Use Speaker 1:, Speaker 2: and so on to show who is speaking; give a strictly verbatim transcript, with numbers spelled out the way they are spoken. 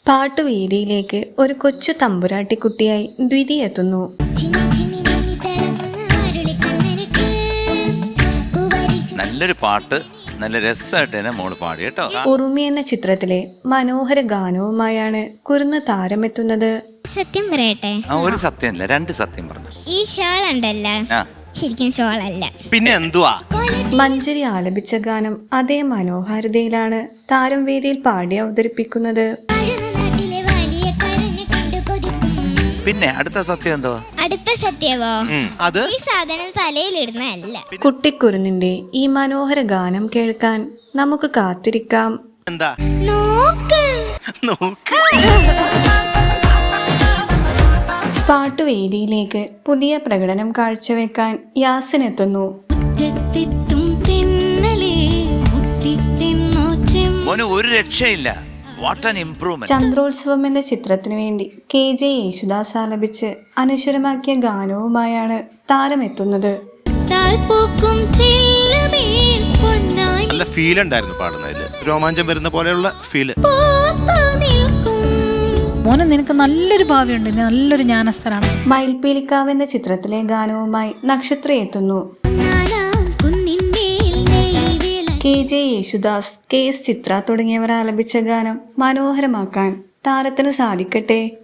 Speaker 1: പാട്ടുവേദിയിലേക്ക് ഒരു കൊച്ചു തമ്പുരാട്ടിക്കുട്ടിയായി ദ്വിതി എത്തുന്നു.
Speaker 2: നല്ലൊരു പാട്ട്, നല്ല രസമായിട്ട് തന്നെ മോള് പാടി കേട്ടോ.
Speaker 1: ഉറുമി എന്ന ചിത്രത്തിലെ മനോഹര ഗാനവുമായാണ് കുരുന്ന് താരമെത്തുന്നത്.
Speaker 3: സത്യം പറയട്ടെ,
Speaker 2: ഒരു സത്യമല്ല രണ്ട് സത്യം പറഞ്ഞു.
Speaker 3: ഈ ഷോൾ ഉണ്ടല്ലോ ശരിക്കും ഷോളല്ല,
Speaker 4: പിന്നെ എന്തുവാ?
Speaker 1: മഞ്ചരി ആലപിച്ച ഗാനം അതേ മനോഹാരിതയിലാണ് താരം വേദിയിൽ പാടി അവതരിപ്പിക്കുന്നത്.
Speaker 2: പിന്നെ അടുത്ത സത്യം എന്തോ?
Speaker 3: അടുത്ത സത്യമോ,
Speaker 4: അത്
Speaker 3: ഈ സാധനം തലയിലിടുന്നതല്ല.
Speaker 1: കുട്ടിക്കുരുന്നിന്റെ ഈ മനോഹര ഗാനം കേൾക്കാൻ നമുക്ക് കാത്തിരിക്കാം.
Speaker 4: എന്താ?
Speaker 3: നോക്ക്
Speaker 4: നോക്ക്.
Speaker 1: പാട്ടുവേദിയിലേക്ക് പുതിയ പ്രകടനം കാഴ്ചവെക്കാൻ യാസിൻ എത്തുന്നു.
Speaker 2: ഒരു രക്ഷയില്ല. What an improvement.
Speaker 1: ചന്ദ്രോത്സവം എന്ന ചിത്രത്തിനു വേണ്ടി കെ ജെ യേശുദാസ് ആലപിച്ച് അനശ്വരമാക്കിയ ഗാനവുമായാണ് താരമെത്തുന്നത്.
Speaker 4: നല്ല ഫീൽ ഉണ്ടായിരുന്നു പാടുന്നതില്, രോമാഞ്ചം വരുന്ന പോലെയുള്ള ഫീല്.
Speaker 5: മോനെ നിനക്ക് നല്ലൊരു ഭാവിയുണ്ട്, നല്ലൊരു ജ്ഞാനസ്ഥനാണ്.
Speaker 1: മയിൽപ്പീലിക്കാവ് എന്ന ചിത്രത്തിലെ ഗാനവുമായി നക്ഷത്ര എത്തുന്നു. K J Yesudas, K S Chithra തുടങ്ങിയവർ ആലപിച്ച ഗാനം മനോഹരമാക്കാൻ താരത്തിന് സാധിക്കട്ടെ.